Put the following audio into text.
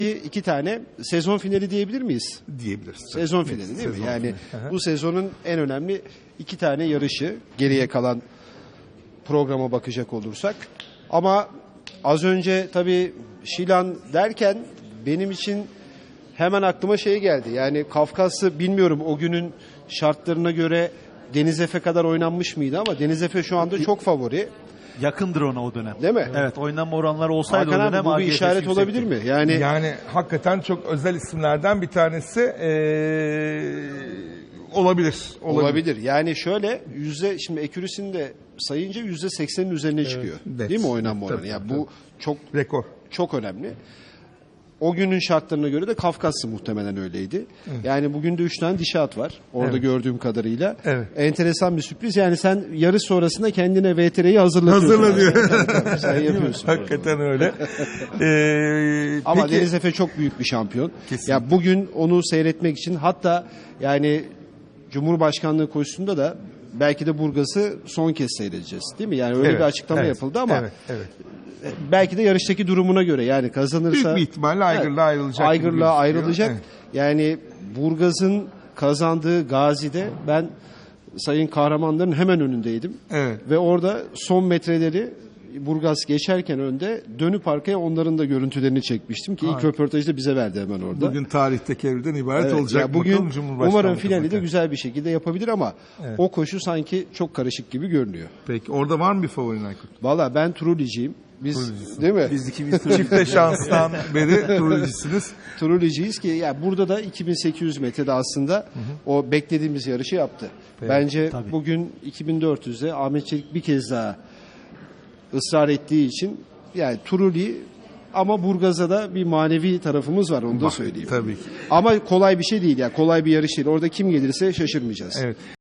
İki tane sezon finali diyebilir miyiz? Diyebiliriz. Sezon finali değil mi? Sezon Yani finali. bu sezonun en önemli iki tane yarışı geriye kalan programa bakacak olursak. Ama az önce tabii Şilan derken benim için hemen aklıma şey geldi. Yani Kafkaslı bilmiyorum o günün şartlarına göre Deniz Efe kadar oynanmış mıydı ama Deniz Efe şu anda çok favori. Yakındır ona o dönem. Değil mi? Evet, oynanma oranları olsaydı Hakan o abi dönem bu bir AGF'si işaret yüksekti. olabilir mi? Yani Hakikaten çok özel isimlerden bir tanesi olabilir. olabilir. Yani şöyle şimdi ekürüsünü de sayınca %80'in üzerine çıkıyor. Evet. Değil mi oynanma oranı? Tabii, Yani tabii. bu çok Rekor. çok önemli. O günün şartlarına göre de Kafkaslı muhtemelen öyleydi. Yani bugün de 3 tane dişi at var. Orada Evet. gördüğüm kadarıyla. Evet. Enteresan bir sürpriz. Yani sen yarış sonrasında kendine VTR'yi hazırlatıyorsun. Hazırlanıyor. Tabii, sen yapıyorsun. Hakikaten öyle. Ama Peki, Deniz Efe çok büyük bir şampiyon. Kesinlikle. Ya bugün onu seyretmek için hatta yani Cumhurbaşkanlığı koşusunda da belki de Burgaz'ı son kez seyredeceğiz. Değil mi? Yani öyle Evet, bir açıklama evet, yapıldı ama evet. belki de yarıştaki durumuna göre yani kazanırsa Büyük bir ihtimalle Aygır'la ayrılacak. gibi Aygır'la gözüküyor. ayrılacak. Evet. Yani Burgaz'ın kazandığı Gazi'de ben sayın kahramanların hemen önündeydim. Evet. Ve orada son metreleri Burgaz geçerken önde dönüp arkaya onların da görüntülerini çekmiştim ki ilk Harika. röportajı da bize verdi hemen orada. Bugün tarih tekerrürden ibaret Evet, olacak. ya bugün Bakalım Cumhurbaşkanlığı umarım finali de kazanacak. güzel bir şekilde yapabilir ama Evet. o koşu sanki çok karışık gibi görünüyor. Peki orada var mı bir favorin Aykut? Valla ben Truliciyim. Biz değil mi? Biz ikimiz Çifte şanstan beri turuncusunuz. Truliciyiz ki ya burada da 2800 metrede aslında o beklediğimiz yarışı yaptı. Bence tabii. bugün 2400'de Ahmet Çelik bir kez daha ısrar ettiği için yani Truli ama Burgaz'a da bir manevi tarafımız var onu da söyleyeyim. Tabii ki. Ama kolay bir şey değil ya. Kolay bir yarış değil. Orada kim gelirse şaşırmayacağız. Evet.